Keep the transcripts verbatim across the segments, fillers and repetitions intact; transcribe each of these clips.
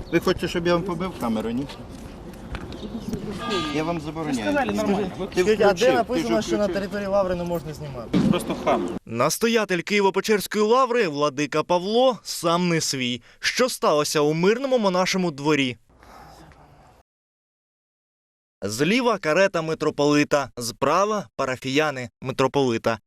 Ви хочете, щоб я вам побив камеру, ні? Я вам забороняю. Сказали нормально. Ти Скажіть, а де включив, написано, ти ж що на включив. території Лаври не можна знімати? Просто хам. Настоятель Києво-Печерської лаври владика Павло сам не свій. Що сталося у мирному монашому дворі? Зліва карета митрополита, справа парафіяни митрополита.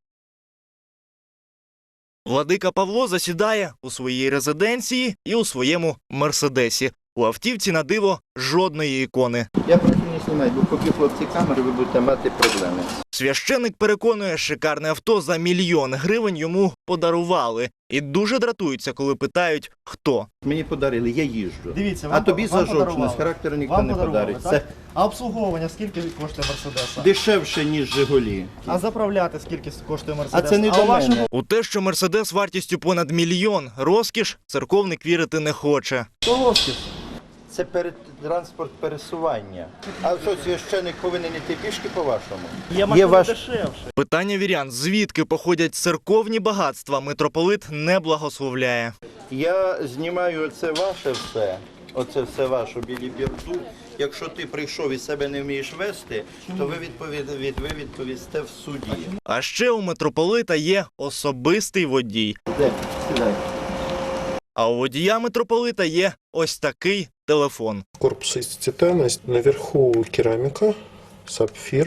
Владика Павло засідає у своїй резиденції і у своєму мерседесі. У автівці на диво жодної ікони. Я прошу не знімати, бо поки хлопці камери, ви будете мати проблеми. Священик переконує, шикарне авто за мільйон гривень йому подарували. І дуже дратуються, коли питають, хто. Мені подарили, я їжджу. Дивіться, А вам, тобі вам за жовчність, подарували. характеру ніхто Вам не подарували, подарить. так? Це А обслуговування скільки коштує Мерседеса? дешевше, ніж Жигулі. А заправляти скільки коштує Мерседес? А це не а до у вашому мене. У те, що Мерседес вартістю понад мільйон розкіш, церковник вірити не хоче. розкіш. Це перед транспорт пересування. А що, священик повинен йти пішки по-вашому? Є машина ваш- дешевше. Питання вірян, звідки походять церковні багатства, митрополит не благословляє. Я знімаю оце ваше все, оце все ваше білі бірду. Якщо ти прийшов і себе не вмієш вести, то ви, відповід... від... ви відповісте в суді. А ще у митрополита є особистий водій. Де? Сідай. А у водія митрополита є ось такий телефон. Корпус из титана, наверху керамика, сапфир.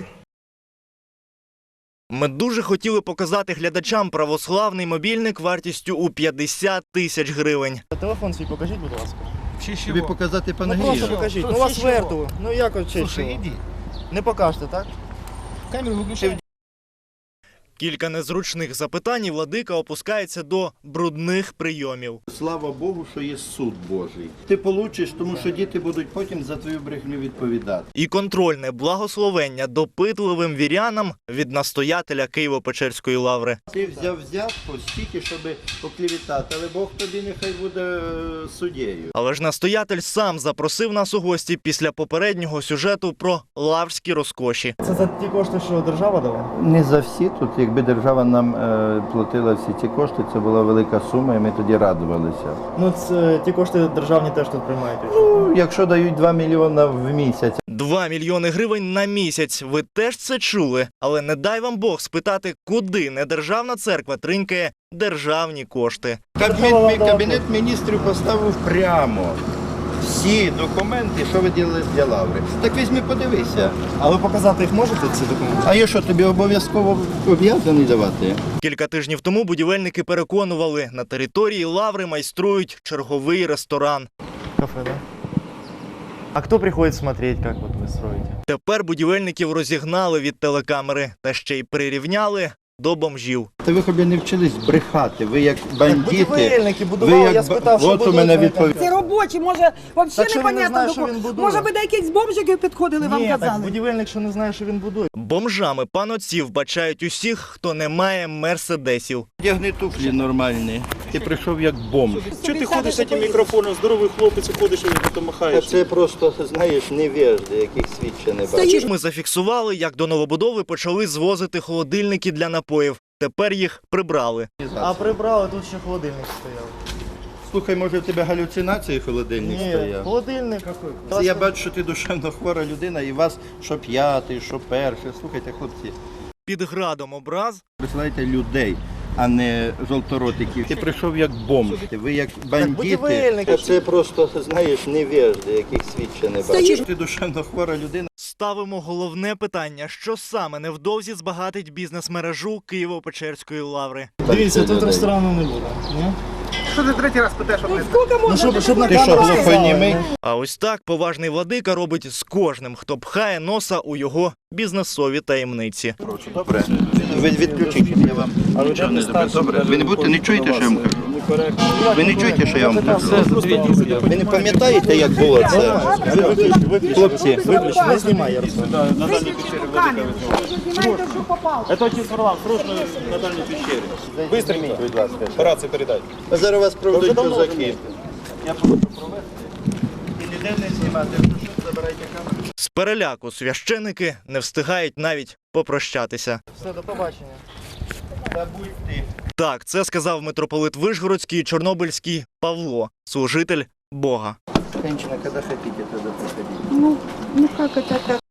Ми дуже хотіли показати глядачам православний мобільник вартістю у п'ятдесят тисяч гривень. Телефон свій покажіть, будь ласка. Тобі показати Ну просто панагію? покажіть. Що, Ну у вас ще верту. Ну як от честь? Слушай, иди. Не покажете, так? Камеру выключай. Кілька незручних запитань і владика опускається до брудних прийомів. Слава Богу, що є суд Божий. Ти получиш, тому що діти будуть потім за твою брехню відповідати. І контрольне благословення допитливим вірянам від настоятеля Києво-Печерської лаври. Ти взяв взятку стільки, щоб поклівітати, але Бог тобі нехай буде е, суддєю. Але ж настоятель сам запросив нас у гості після попереднього сюжету про лаврські розкоші. Це за ті кошти, що держава дала? Не за всі тут, якби держава нам е, платила всі ці кошти, це була велика сума, і ми тоді радувалися. Ну це ті кошти державні теж тут приймають. Ну, якщо дають два мільйони в місяць. Два мільйони гривень на місяць. Ви теж це чули? Але не дай вам Бог спитати, куди недержавна церква тринькає державні кошти. Кабінет, кабінет міністрів поставив прямо всі документи, що ви ділили для лаври. Так візьми, подивися. А ви показати їх можете, ці документи? А я що, тобі обов'язково об'язаний давати? Кілька тижнів тому будівельники переконували, на території лаври майструють черговий ресторан. Кафе, да? А кто приходит смотреть, как вот вы строите? Тепер будівельників розігнали від телекамери та ще й прирівняли до бомжів. Та ви хоч не вчились брехати, ви як бандити. Будівельники будували, я спитав, що от у будують, мене вони відповідь. Це робочі, може, Так взагалі що він не непонятно знає, до що кого. він будує? Може, ви до якісь бомжики підходили, вам Ні, так казали? будівельник, що не знає, що він будує. Бомжами панотців бачають усіх, хто не має мерседесів. Одягни туфлі нормальні. Ти прийшов як бомж. Что ты ходишь с этим микрофоном? Здоровый хлопец, и ходишь и тут Та махаешь. це просто, знаєш, невежди, яких світ ще не бачив. Ми зафіксували, як до новобудови почали звозити холодильники для напоїв. Тепер їх прибрали. А прибрали, тут ще холодильник стояв. Слухай, може в тебе галюцинації холодильник Ні, стояв? холодильник. Це я бачу, що ти душевно хвора людина, і вас що п'ятий, що перший. Слухайте, хлопці, Під градом образ присилайте людей, а не жовторотиків. Ти прийшов як бомж, ви як бандити. будівельники. Та це просто, знаєш, невежди, яких світ ще не бачив. Ти душевно хвора людина. ставимо головне питання, що саме невдовзі збагатить бізнес-мережу Києво-Печерської лаври. Дивіться, Так, тут людей. ресторану не буде. Ні? Что ты третий раз пытаешь Ну, скільки Ну, можна? щоб, щоб на Ти що, камеру глухонімий? сказали. А ось так поважний владика робить з кожним, хто пхає носа у його бізнесові таємниці. Добре. Ви відключіть, я вам нічого не зроблю. Добре. Ви не будете, не чуєте, що я вам кажу? Ви не чуєте, що я вам кажу? Ви не пам'ятаєте, як було це? Хлопці, Не знімай, Ярослав. Знімаєте, що попало. Это отец Варлам, срочно на дальней пещере. быстренько, будь ласка. По рации передай. А зараз вас проведуть козаки. Я буду провести. І ніде не знімати. Якщо що, забирайте камеру. З переляку священики не встигають навіть попрощатися. Все, до побачення. Та будь ти. Так, це сказав митрополит Вишгородський і Чорнобильський Павло, служитель Бога. Женщина, когда хотите, тогда приходите. Ну, ну как это так?